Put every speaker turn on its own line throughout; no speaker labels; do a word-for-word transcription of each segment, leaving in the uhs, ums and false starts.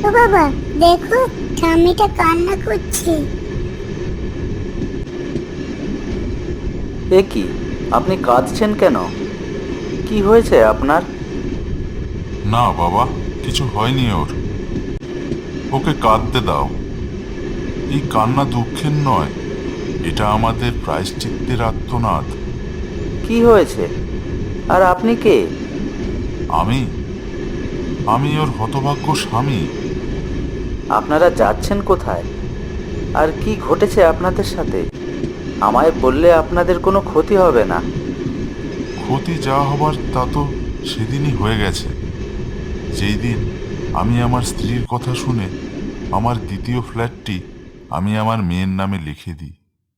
ও বাবা, দেখো ঠাম্মিটা কান্না করছে।
এ কি, আপনি কাঁদছেন কেন? কি হয়েছে আপনার?
না বাবা, কিছু হয়নি ওর। ওকে কাঁদতে দাও। এই কান্না দুঃখের নয়, এটা আমাদের প্রায়শ্চিত্তের আর্তনাদ।
কি হয়েছে? আর আপনি কে?
আমি আমি ওর হতভাগ্য স্বামী।
আপনারা যাচ্ছেন কোথায়? আর কি ঘটেছে আপনাদের সাথে? আমায় বললে আপনাদের কোনো ক্ষতি হবে না।
ক্ষতি যা হবার তা তো সেদিনই হয়ে গেছে, যেই দিন আমি আমার স্ত্রীর কথা শুনে আমার দ্বিতীয় ফ্ল্যাটটি আমি আমার মেয়ের নামে লিখে দিই।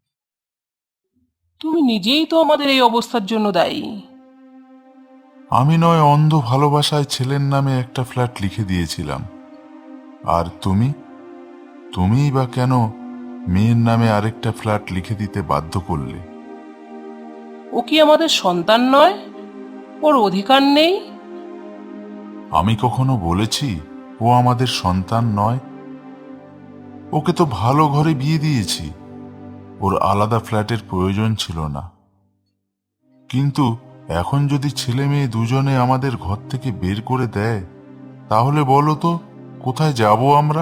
তুমি নিজেই তো আমাদের এই অবস্থার জন্য দায়ী।
আমি নয় অন্ধ ভালোবাসায় ছেলের নামে একটা ফ্ল্যাট লিখে দিয়েছিলাম, আর তুমি তুমিই বা কেন মেয়ের নামে আরেকটা ফ্ল্যাট লিখে দিতে বাধ্য করলে?
ও কি আমাদের সন্তান নয়? ওর অধিকার নেই?
আমি কখনো বলেছি ও আমাদের সন্তান নয়? ওকে তো ভালো ঘরে বিয়ে দিয়েছি, ওর আলাদা ফ্ল্যাটের প্রয়োজন ছিল না। কিন্তু এখন যদি ছেলে মেয়ে দুজনে আমাদের ঘর থেকে বের করে দেয়, তাহলে বলো তো কোথায় যাব আমরা?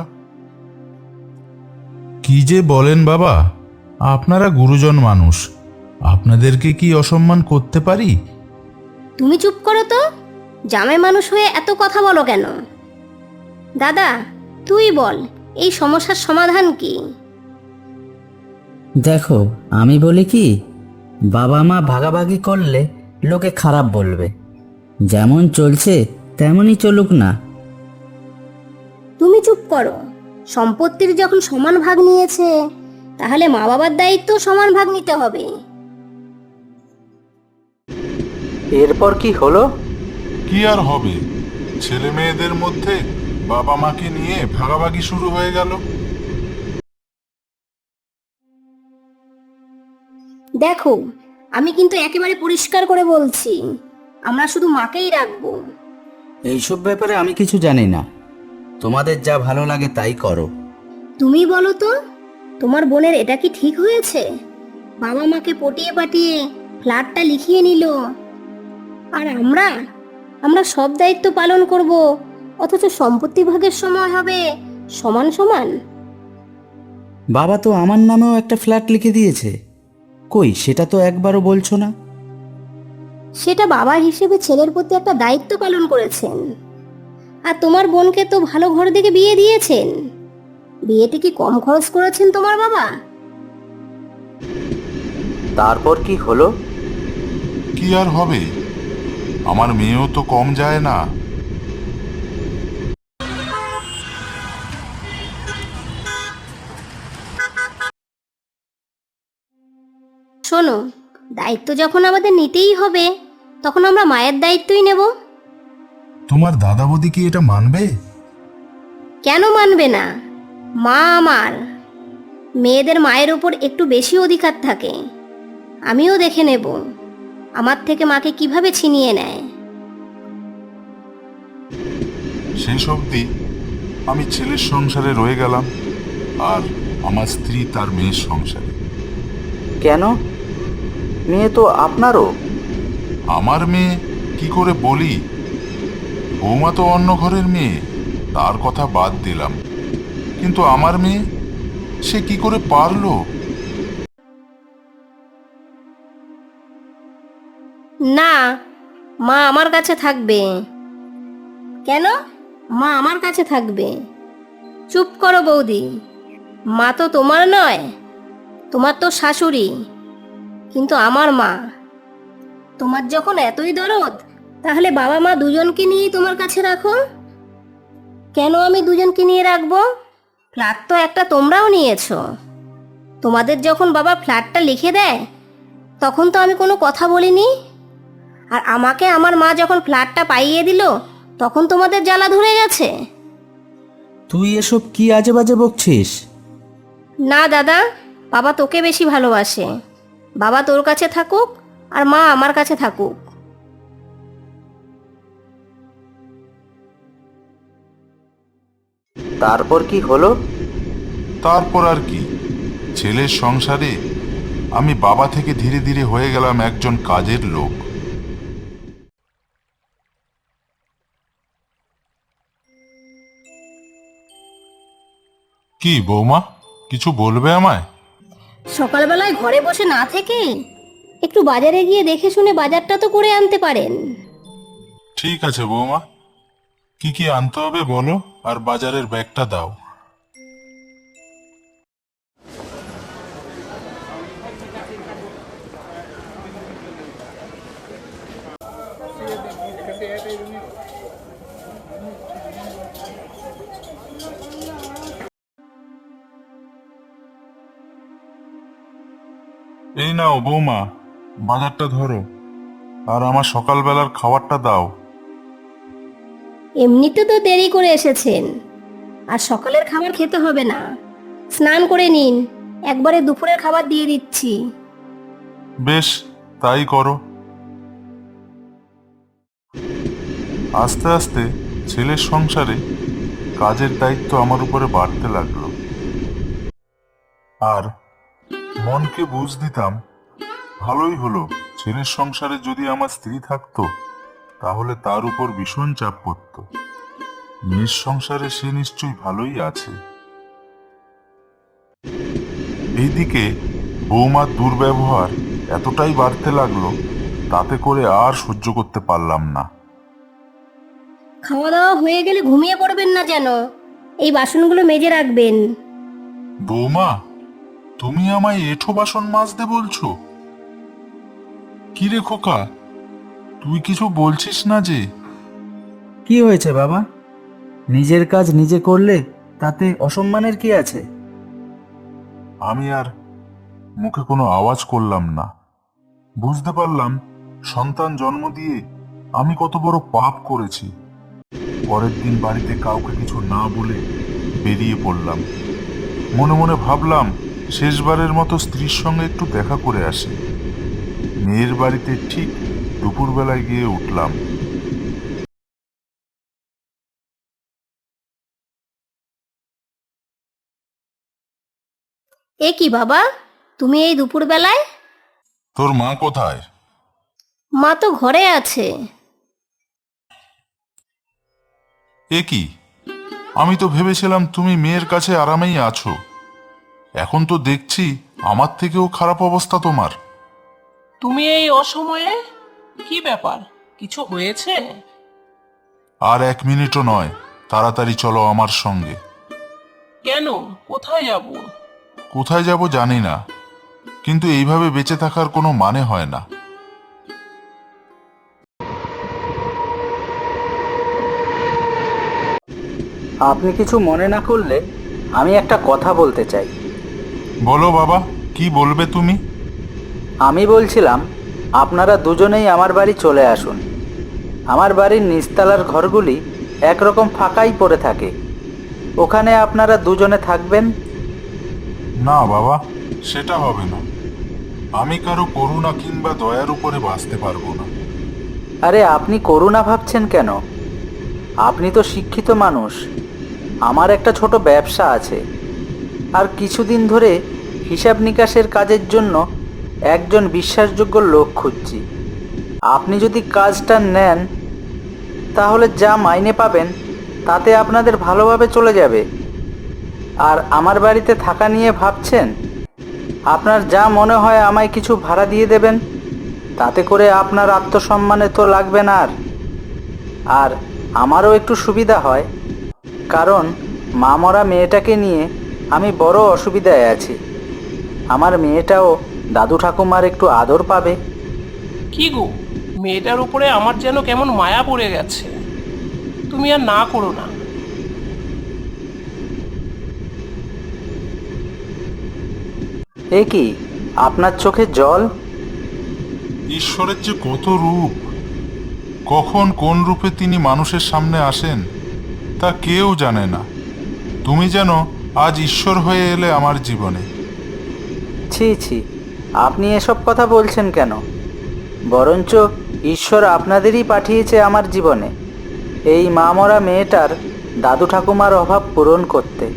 কি যে বলেন বাবা, আপনারা গুরুজন মানুষ, আপনাদেরকে কি অসম্মান করতে পারি?
তুমি চুপ করো তো। জামাই মানুষ হয়ে এত কথা বলো কেন? দাদা, তুই বল, এই সমস্যার সমাধান কি?
দেখো, আমি বলি কি, বাবা মা ভাগাভাগি করলে লোকে খারাপ বলবে। যেমন চলছে তেমনই চলুক না।
তুমি চুপ করো। সম্পত্তির যখন সমান ভাগ নিয়েছে, তাহলে মা বাবার দায়িত্ব সমান ভাগ নিতে হবে।
এরপর কি হলো?
কি আর হবে, ছেলে মেয়েদের মধ্যে বাবা মাকে নিয়ে ভাগাভাগি শুরু হয়ে গেল।
দেখো, আমি কিন্তু একেবারে পরিষ্কার করে বলছি, আমরা শুধু মাকেই রাখবো।
এইসব ব্যাপারে আমি কিছু জানি না, তোমাদের যা ভালো লাগে তাই করো।
তুমি বলো তো, তোমার বোনের এটা কি ঠিক হয়েছে? বাবা মাকে পটিয়ে পাটিয়ে ফ্ল্যাটটা লিখিয়ে নিল, আর আমরা আমরা সব দায়িত্ব পালন করব, অথচ সম্পত্তি ভাগের সময় হবে সমান সমান।
বাবা তো আমার নামেও একটা ফ্ল্যাট লিখে দিয়েছে, কই সেটা তো একবারও বলছো না।
সেটা বাবা হিসেবে ছেলের প্রতি একটা দায়িত্ব পালন করেছেন। আর তোমার বোনকে তো ভালো ঘর থেকে বিয়ে দিয়েছেন। বিয়েতে কি কম খরচ করেছেন তোমার বাবা?
তারপর কি হলো?
কি আর হবে, আমার মেয়েও তো কম যায় না।
শোনো, দায়িত্ব যখন আমাদের নিতেই হবে, তখন আমরা মায়ের দায়িত্বই নেব।
তোমার দাদা বৌদি কি এটা মানবে?
কেন মানবে না? মা আমার। মেয়েদের মায়ের উপর একটু বেশি অধিকার থাকে। আমিও দেখে নেব আমার থেকে মাকে কিভাবে ছিনিয়ে নেয়।
শেষ অবধি আমি ছেলের সংসারে রয়ে গেলাম, আর আমার স্ত্রী তার মেয়ের সংসারে।
কেন? মেয়ে তো আপনারও।
আমার মেয়ে কি করে বলি? বৌমা তো অন্য ঘরের মেয়ে, তার কথা বাদ দিলাম, কিন্তু আমার মেয়ে, সে কি করে পারলো?
না, মা আমার কাছে থাকবে। কেন? মা আমার কাছে থাকবে। চুপ করো বৌদি। মা তো তোমার নয়, তোমার তো শাশুড়ি, কিন্তু আমার মা। তোমার যখন এতই দরদ, তাহলে বাবা মা দুজনকে নিয়েই তোমার কাছে রাখো। কেন আমি দুজনকে নিয়ে রাখবো? ফ্ল্যাট তো একটা তোমরাও নিয়েছো। তোমাদের যখন বাবা ফ্ল্যাটটা লিখে দেয়, তখন তো আমি কোনো কথা বলিনি। আর আমাকে আমার মা যখন ফ্ল্যাটটা পাইয়ে দিল, তখন তোমাদের জ্বালা ধরে গেছে।
তুই এসব কি আজে বাজে বকছিস?
না দাদা, বাবা তোকে বেশি ভালোবাসে। বাবা তোর কাছে থাকুক, আর মা আমার কাছে থাকুক।
তারপর কি হলো?
তারপর আর কি, ছেলের সংসারে আমি বাবা থেকে ধীরে ধীরে হয়ে গেলাম একজন কাজের লোক। কি বৌমা, কিছু বলবে আমায়?
সকালবেলায় ঘরে বসে না থেকে একটু বাজারে গিয়ে দেখে শুনে বাজারটা তো করে আনতে পারেন।
ঠিক আছে বৌমা, কি কি আনতে হবে বলো, আর বাজারের ব্যাগটা দাও। এই নাও বৌমা, বাজারটা ধরো, আর আমার সকালবেলার খাবারটা দাও।
এমনিতে তো দেরি করে এসেছেন, আর সকালের খাবার খেতে হবে না, স্নান করে নিন, একবারে দুপুরের খাবার দিয়ে দিচ্ছি।
বেশ, তাই করো। আস্তে আস্তে ছেলের সংসারে কাজের দায়িত্ব আমার উপরে বাড়তে লাগলো, আর মনকে বুঝ দিতাম ভালোই হলো, ছেলের সংসারে যদি আমার স্ত্রী থাকতো তাহলে তার উপর ভীষণ চাপ পড়তো। মেয়ের সংসারে সে নিশ্চয়ই ভালোই আছে। এইদিকে বৌমার দুর্ব্যবহার এতটাই বাড়তে লাগলো, তাতে করে আর সহ্য করতে পারলাম না।
খাওয়া দাওয়া হয়ে গেলে ঘুমিয়ে পড়বেন না যেন, এই বাসনগুলো মেজে রাখবেন।
বৌমা, তুমি আমায় এঁঠো বাসন মাজতে বলছো? কি রে খোকা, তুই কিছু বলছিস না যে?
কি হয়েছে বাবা? নিজের কাজ নিজে করলে তাতে অসম্মানের কি আছে?
আমি আর মুখে কোনো আওয়াজ করলাম না। বুঝতে পারলাম সন্তান জন্ম দিয়ে আমি কত বড় পাপ করেছি। পরের দিন বাড়িতে কাউকে কিছু না বলে বেরিয়ে পড়লাম। মনে মনে ভাবলাম শেষবারের মতো স্ত্রীর সঙ্গে একটু দেখা করে আসি। মেয়ের বাড়িতে ঠিক দুপুরবেলায় গিয়ে উঠলাম।
এ কি বাবা, তুমি এই দুপুর বেলায়?
তোর মা কোথায়?
মা তো ঘরে আছে।
এ কি, আমি তো ভেবেছিলাম তুমি মেয়ের কাছে আরামেই আছো। এখন তো দেখছি আমার থেকেও খারাপ অবস্থা তোমার।
তুমি এই অসময়ে? কি ব্যাপার, কিছু হয়েছে?
আর এক মিনিটও নয়, তাড়াতাড়ি চলো আমার সঙ্গে।
কেন, কোথায় যাব?
কোথায় যাব জানি না, কিন্তু এইভাবে বেঁচে থাকার কোনো মানে হয় না।
আপনি কিছু মনে না করলে আমি একটা কথা বলতে চাই।
বলো বাবা, কি বলবে তুমি?
আমি বলছিলাম আপনারা দুজনেই আমার বাড়ি চলে আসুন। আমার বাড়ির নিচতলার ঘরগুলি একরকম ফাঁকাই পড়ে থাকে, ওখানে আপনারা দুজনে থাকবেন।
না বাবা, সেটা হবে না। আমি কারো করুণা কিংবা দয়ার উপরে বাঁচতে পারবো না।
আরে আপনি করুণা ভাবছেন কেন? আপনি তো শিক্ষিত মানুষ। আমার একটা ছোট ব্যবসা আছে, আর কিছুদিন ধরে হিসাব নিকাশের কাজের জন্য একজন বিশ্বাসযোগ্য লোক খুঁজছি। আপনি যদি কাজটা নেন তাহলে যা মাইনে পাবেন তাতে আপনাদের ভালোভাবে চলে যাবে। আর আমার বাড়িতে থাকা নিয়ে ভাবছেন, আপনার যা মনে হয় আমায় কিছু ভাড়া দিয়ে দেবেন, তাতে করে আপনার আত্মসম্মানে তো লাগবে না। আর আর আমারও একটু সুবিধা হয়, কারণ মা মরা মেয়েটাকে নিয়ে আমি বড় অসুবিধায় আছি। আমার মেয়েটাও দাদু ঠাকুমার একটু আদর পাবে।
কি গো, মেয়েটার উপরে আমার যেন কেমন মায়া পড়ে গেছে। তুমি আর না করো না।
এ কি, আপনার চোখে জল?
ঈশ্বরের যে কত রূপ, কখন কোন রূপে তিনি মানুষের সামনে আসেন তা কেউ জানে না। তুমি যেন আজ ঈশ্বর হয়ে এলে আমার জীবনে।
ছি ছি, আপনি এসব কথা বলছেন কেন? বরঞ্চ ঈশ্বর আপনাদেরই পাঠিয়েছে আমার জীবনে। এই মা মরা মেয়েটার দাদু ঠাকুমার অভাব পূরণ করতে।